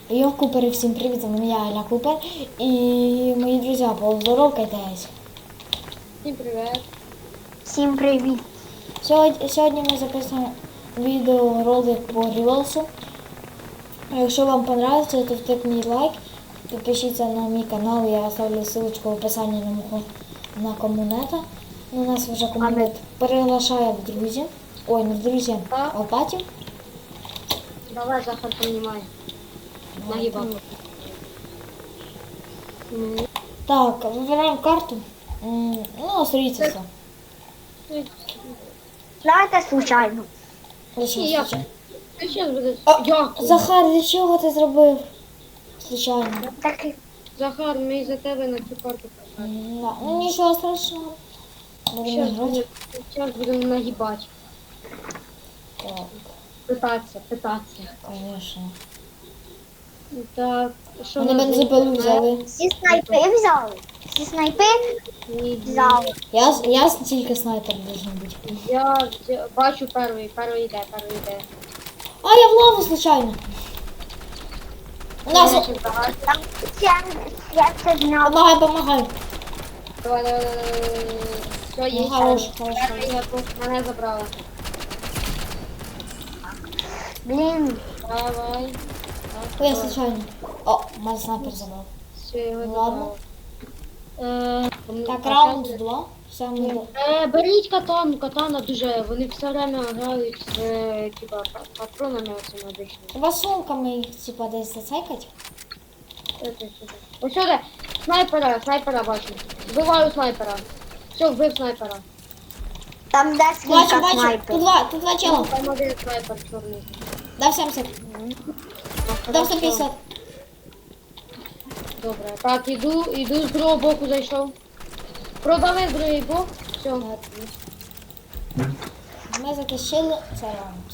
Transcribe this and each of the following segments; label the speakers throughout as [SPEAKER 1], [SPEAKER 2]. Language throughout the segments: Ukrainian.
[SPEAKER 1] Йо, Купери, всім привіт, я Аля Купер і мої друзі, поздоровкайтесь.
[SPEAKER 2] Всім привіт.
[SPEAKER 3] Всім привіт.
[SPEAKER 1] Сьогодні ми записуємо відеоролик по Рівелсу. Якщо вам подобається, то втикніть лайк, підпишіться на мій канал, я оставлю ссылочку в описанні на комунета. У нас вже комунет приглашає в друзі. Ой, не в друзі, а в паті.
[SPEAKER 2] Давай, Захар, принимай. Нагибал.
[SPEAKER 1] Так, вибираємо карту. Ну, смотрите все.
[SPEAKER 3] Давайте случайно.
[SPEAKER 2] Я. Сейчас буде.
[SPEAKER 1] Захар, для чого ти зробив? Случайно.
[SPEAKER 3] Так,
[SPEAKER 2] Захар, ми за тебе на цю карту писали.
[SPEAKER 1] Ну нічого страшного. Будемо грати.
[SPEAKER 2] Будемо нагибати.
[SPEAKER 1] Так,
[SPEAKER 2] Питатися.
[SPEAKER 1] звісно.
[SPEAKER 2] Так, що
[SPEAKER 1] Вони бензопилу взяли.
[SPEAKER 3] всі снайпи взяли. Всі снайпи взяли.
[SPEAKER 1] Я тільки снайпер должен бути.
[SPEAKER 2] Я бачу перший йде.
[SPEAKER 1] А, я в лаву случайно. У нас...
[SPEAKER 3] Там 70 днів.
[SPEAKER 1] Помагай.
[SPEAKER 2] Давай. Все, є.
[SPEAKER 1] Хорош.
[SPEAKER 2] Мене забрала.
[SPEAKER 3] Блін.
[SPEAKER 2] Давай.
[SPEAKER 1] Я случайно. О, мене снайпер забрав.
[SPEAKER 2] Все, його
[SPEAKER 1] Ладно.
[SPEAKER 2] забрала.
[SPEAKER 1] Так, раунд 2.
[SPEAKER 2] Беріть катана дуже, вони все время грають з типа патронами оцими обичними.
[SPEAKER 1] Треба сумками їх типа десь зацейкать.
[SPEAKER 2] Ось сюди, снайпера бачу. Вбиваю снайпера. Все, вбив снайпера.
[SPEAKER 3] Там де
[SPEAKER 1] Бачу,
[SPEAKER 3] скільки снайпів.
[SPEAKER 1] Тут два чела.
[SPEAKER 2] Там один снайпер чорний.
[SPEAKER 1] Дав 70. Дав 150.
[SPEAKER 2] Добре, так, іду з другого боку зайшов. Продали з другий бок. Все.
[SPEAKER 1] Ми затащили це раунд.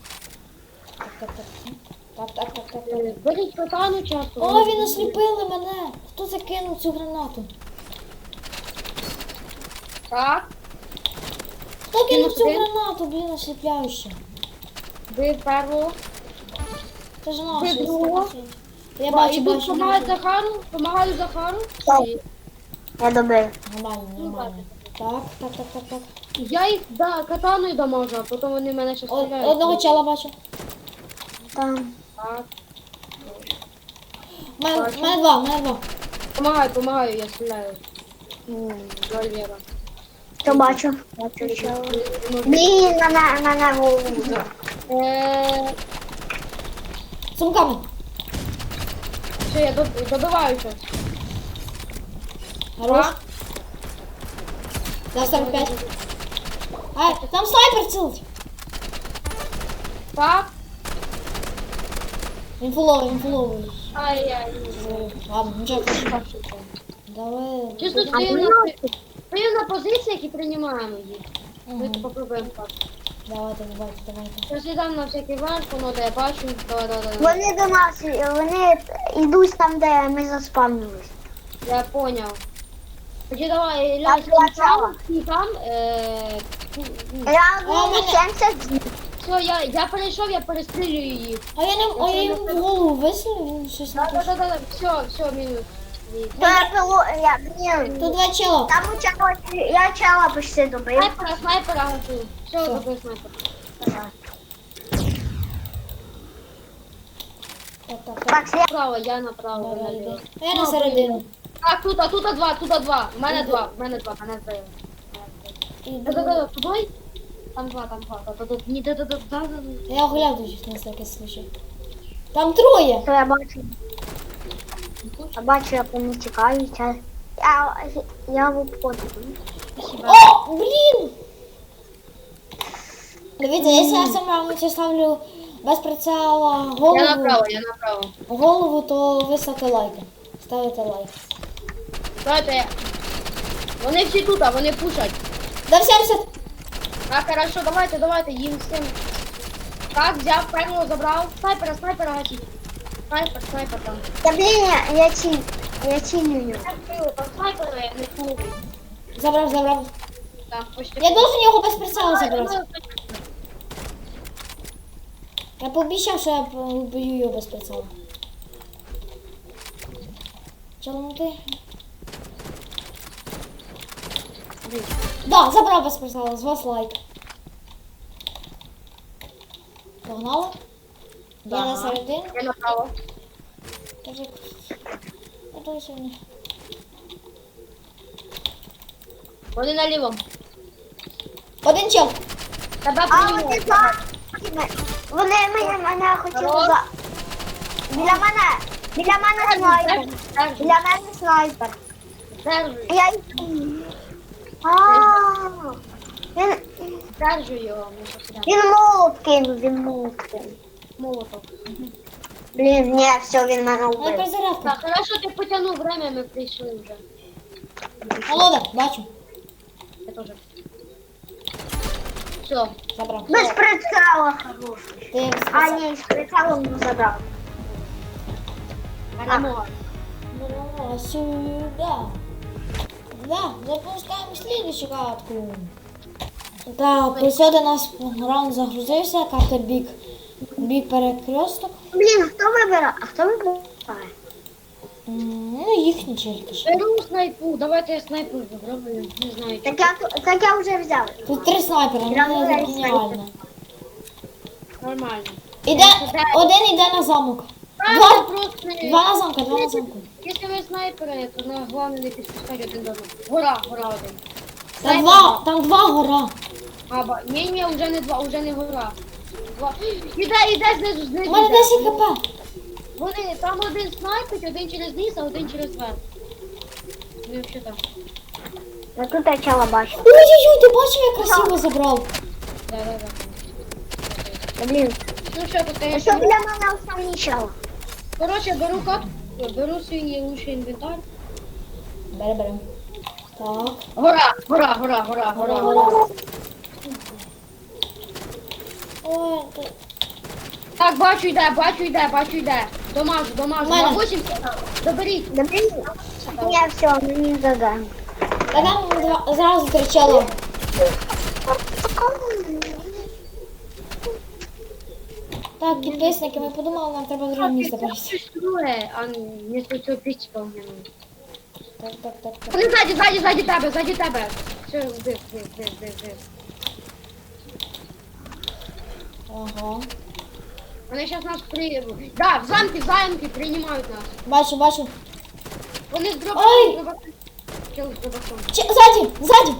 [SPEAKER 1] Так.
[SPEAKER 2] Беріть катану часто.
[SPEAKER 1] О, він осліпили мене. Хто закинув цю гранату?
[SPEAKER 2] Так,
[SPEAKER 1] Хто кинув цю
[SPEAKER 2] один.
[SPEAKER 1] гранату, блін, осліпляюще.
[SPEAKER 2] вбив першого.
[SPEAKER 1] Це ж
[SPEAKER 2] Ви
[SPEAKER 1] наш.
[SPEAKER 2] другого?
[SPEAKER 1] Я бачу.
[SPEAKER 2] Помагаю Захару.
[SPEAKER 3] Так. Я добив.
[SPEAKER 1] Нормально. Так.
[SPEAKER 2] Я їх катаною дамажу, а потім вони мене ще стріляють.
[SPEAKER 1] Одного чела бачу.
[SPEAKER 3] Там.
[SPEAKER 2] Так.
[SPEAKER 1] Мене два.
[SPEAKER 2] Помагаю, я стріляю. Вольєра.
[SPEAKER 3] Що бачу? Що? Блін, мене голову.
[SPEAKER 1] Сумками.
[SPEAKER 2] Все, я добиваю щось.
[SPEAKER 1] Хорош. Дав 45. Ай, там снайпер цілить.
[SPEAKER 2] Так.
[SPEAKER 1] Він фуловий.
[SPEAKER 2] Ай-яй.
[SPEAKER 1] Ладно, нічого. Давай.
[SPEAKER 2] Чисто стою на позиціях і приймаємо їх. Ми попробуємо так.
[SPEAKER 1] Давайте.
[SPEAKER 2] Щось я дам на всякий варш, воно де я бачу. Давай.
[SPEAKER 3] Вони до нас, вони йдуть там, де ми заспавнились.
[SPEAKER 2] Я поняв. Тоді давай,
[SPEAKER 3] Так,
[SPEAKER 2] там.
[SPEAKER 3] Я голову 70 днів.
[SPEAKER 2] Все, я перейшов, я перестрілюю їх.
[SPEAKER 1] А я йому в голову висунув, він щось не пише.
[SPEAKER 2] Да. Все, мінус.
[SPEAKER 3] Блін.
[SPEAKER 1] Тут два чела.
[SPEAKER 3] Там у чого, я чела почти добив.
[SPEAKER 2] Снайпера гасу. Все, добив снайпера.
[SPEAKER 1] Так.
[SPEAKER 3] Так,
[SPEAKER 2] Направо, я направо.
[SPEAKER 1] Давай. Я на середину.
[SPEAKER 2] Так, тут два. У мене два. Мене збили. Да. Туди? Там два. Ні, да.
[SPEAKER 1] Я оглядуюсь на всякий случай. Там троє.
[SPEAKER 3] що я бачу. Я бачу, як вони тікають. Я в обходу.
[SPEAKER 1] О, блін! Дивіться, якщо я сама ставлю без прицела
[SPEAKER 2] Я направо.
[SPEAKER 1] голову, то ви ставите лайки. Ставите лайк.
[SPEAKER 2] Давайте. Вони всі тут, вони пушать.
[SPEAKER 1] Дав 70.
[SPEAKER 2] Так, хорошо, давайте, їм всім. Так, взяв, першого забрав. Снайпера гасіть. Снайпер там.
[SPEAKER 3] Та блін, я цілюю.
[SPEAKER 2] Там снайпера, я не чую.
[SPEAKER 1] Забрав.
[SPEAKER 2] Так, почти.
[SPEAKER 1] Я должен його без прицела забрати. Я пообіцяв, що я вб'ю його без прицела. Челнути. Да, забрав без прицела, з вас лайк. Погнали? Я на середину.
[SPEAKER 2] Я направо.
[SPEAKER 1] Кажи. Я то сьогодні.
[SPEAKER 2] Вони на лівому.
[SPEAKER 1] Один чел.
[SPEAKER 2] Тебе
[SPEAKER 3] А
[SPEAKER 2] приймуть.
[SPEAKER 3] вони за... Вони мене хотіли
[SPEAKER 2] Алло?
[SPEAKER 3] за... Біля мене снайпер. Біля мене снайпер.
[SPEAKER 2] Держи.
[SPEAKER 3] Я їх... Ааа.
[SPEAKER 2] Держи його. не потрібно.
[SPEAKER 3] Він молот кинув.
[SPEAKER 2] Молотов.
[SPEAKER 3] Блін, ні, все, він мене
[SPEAKER 1] Ай,
[SPEAKER 3] вбив.
[SPEAKER 1] перезарядка.
[SPEAKER 2] Так, хорошо, ти потягнув время, ми прийшли вже.
[SPEAKER 1] Волода, бачу.
[SPEAKER 2] Я теж. Все.
[SPEAKER 1] Забрав.
[SPEAKER 3] Без прицела хороший.
[SPEAKER 1] Ти
[SPEAKER 3] А, ні, з прицелом не забрав.
[SPEAKER 2] Перемога.
[SPEAKER 1] Ну, сюда. Да, запускаємо слідчу катку. Так, ось до нас раунд загрузився, карта бік перекресток.
[SPEAKER 3] Блін, хто вибирає? А хто вибирає?
[SPEAKER 1] Ну, їхні тільки ж.
[SPEAKER 2] Беру снайпу, давайте я снайпу зроблю, не знаю.
[SPEAKER 3] Так я вже взяв.
[SPEAKER 1] Тут 3 снайпера,
[SPEAKER 3] Я
[SPEAKER 1] ну
[SPEAKER 3] вибираю
[SPEAKER 1] це геніально.
[SPEAKER 2] Нормально.
[SPEAKER 1] Один іде на замок.
[SPEAKER 2] Правильно, просто...
[SPEAKER 1] Два на замку, два на замку.
[SPEAKER 2] Якщо ви снайпери, то на головне не підпускати один до одного. Гора один.
[SPEAKER 1] Там два гора.
[SPEAKER 2] Ні, вже не два, вже не гора. Два. Іде знизу.
[SPEAKER 1] У мене
[SPEAKER 2] іде.
[SPEAKER 1] 10 хп.
[SPEAKER 2] Вони, там один снайпить, один через низ, а один через верх. Ну, що там?
[SPEAKER 3] Я тут я чела бачу.
[SPEAKER 1] Ой-ой-ой, ти бачив, як красиво забрав?
[SPEAKER 2] Да.
[SPEAKER 3] Блін.
[SPEAKER 2] Ну що тут,
[SPEAKER 3] А
[SPEAKER 2] конечно.
[SPEAKER 3] що для мене основні чела?
[SPEAKER 2] Короче, беру катку, беру свій лучший інвентар.
[SPEAKER 1] Берем. Так.
[SPEAKER 2] Гора.
[SPEAKER 1] Ой, ти...
[SPEAKER 2] Так, бачу йде. Домажу.
[SPEAKER 1] Мене.
[SPEAKER 2] На 8 доберіть.
[SPEAKER 3] Да блін. Ні, все, мені задаємо.
[SPEAKER 1] Та там зразу кричало. Так, підписники, ми подумали, нам треба друге місце перейти.
[SPEAKER 2] Щось друге, а не з цього пічка у мене.
[SPEAKER 1] Так.
[SPEAKER 2] Вони ззаді тебе. Все, вбив.
[SPEAKER 1] Ага.
[SPEAKER 2] Вони зараз нас приїдуть. Да, в замки приймають нас.
[SPEAKER 1] Бачу.
[SPEAKER 2] Вони з
[SPEAKER 1] Ой!
[SPEAKER 2] дробаком. Чел з дробаком.
[SPEAKER 1] Ззаді.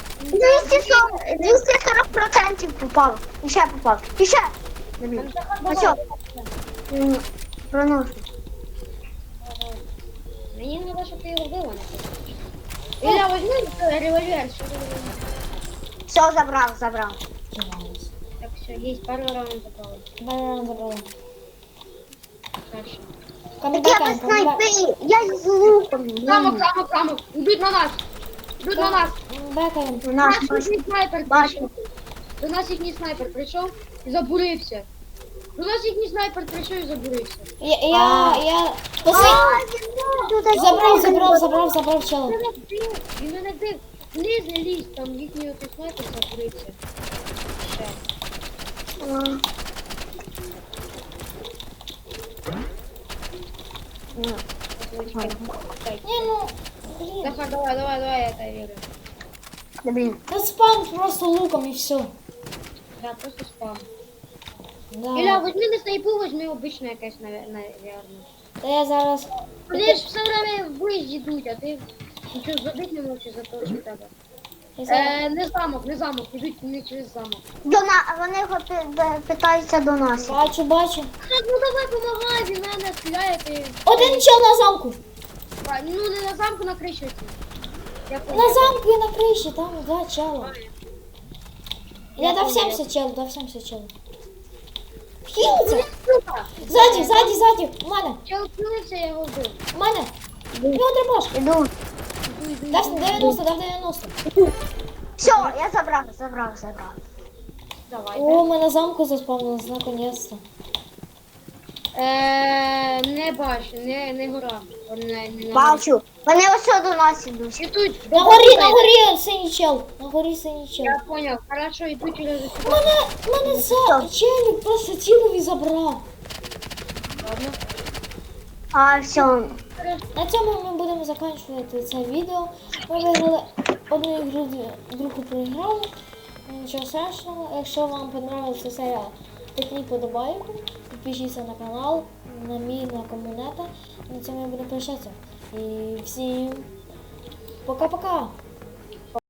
[SPEAKER 3] 240% попав. І ще попав. І ще. А що? Проношу.
[SPEAKER 2] Мені треба, щоб ти його вбила. Ілля, возьми револьвер.
[SPEAKER 3] Все, забрав.
[SPEAKER 2] Так, все, є, пару раунд запали.
[SPEAKER 1] Забрала.
[SPEAKER 2] Дальше.
[SPEAKER 3] Так я без снайпи. Я з луком.
[SPEAKER 2] Замок. Йдуть на нас.
[SPEAKER 1] Бекаємо.
[SPEAKER 3] У нас
[SPEAKER 2] Їхній снайпер
[SPEAKER 3] бачу.
[SPEAKER 2] прийшов. До нас їхній снайпер прийшов і забурився.
[SPEAKER 1] Я... Забрав чела.
[SPEAKER 2] Він мене див. Вниз не лізь, там їхній отой снайпер забурився. Ще.
[SPEAKER 1] Ні, ну... Блін.
[SPEAKER 2] Захар, давай, я тебе вірю.
[SPEAKER 3] Блін.
[SPEAKER 1] Та спам просто луком і все.
[SPEAKER 2] Да, просто спам.
[SPEAKER 1] Да.
[SPEAKER 2] Ілля, возьми не снайпу, возьми обичне якесь, наверное.
[SPEAKER 1] Та я зараз...
[SPEAKER 2] Вони ж все время в бой йдуть, а ти нічого зробити не можеш за того, що в тебе.
[SPEAKER 1] Я зараз...
[SPEAKER 2] Не замок, ідуть не через замок.
[SPEAKER 3] Вони його питаються до нас.
[SPEAKER 1] Бачу.
[SPEAKER 2] Так, ну давай помагай, він мене стріляє, ти...
[SPEAKER 1] Один чел на замку.
[SPEAKER 2] Ну не на замку, на криші.
[SPEAKER 1] На замку і на криші, там два чела. Я дав 70 чел. Хілиться. Ззаді. У мене.
[SPEAKER 2] Чел впилився, я його вбив.
[SPEAKER 1] У мене. Його трибаш.
[SPEAKER 3] Іду.
[SPEAKER 1] Дав 90.
[SPEAKER 3] Все, я забрав.
[SPEAKER 2] Давай.
[SPEAKER 1] О, ми на замку заспавнились, наконец-то.
[SPEAKER 2] Не бачу, не гора.
[SPEAKER 3] Бачу. Вони ось до нас ідуть.
[SPEAKER 2] Ідуть.
[SPEAKER 1] На горі синій чел.
[SPEAKER 2] Я понял, хорошо, йду через усю.
[SPEAKER 1] Мене це челік просто цілий забрав.
[SPEAKER 2] Ладно.
[SPEAKER 3] А все.
[SPEAKER 1] На цьому ми будемо закінчувати це відео. Ми виграли одну ігру, другу проіграли. Нічого страшного. Якщо вам подобається серія, тикніть подобайку, підпишіться на канал, на мій, на комунета. На цьому я буду прощатися. І всім пока-пока!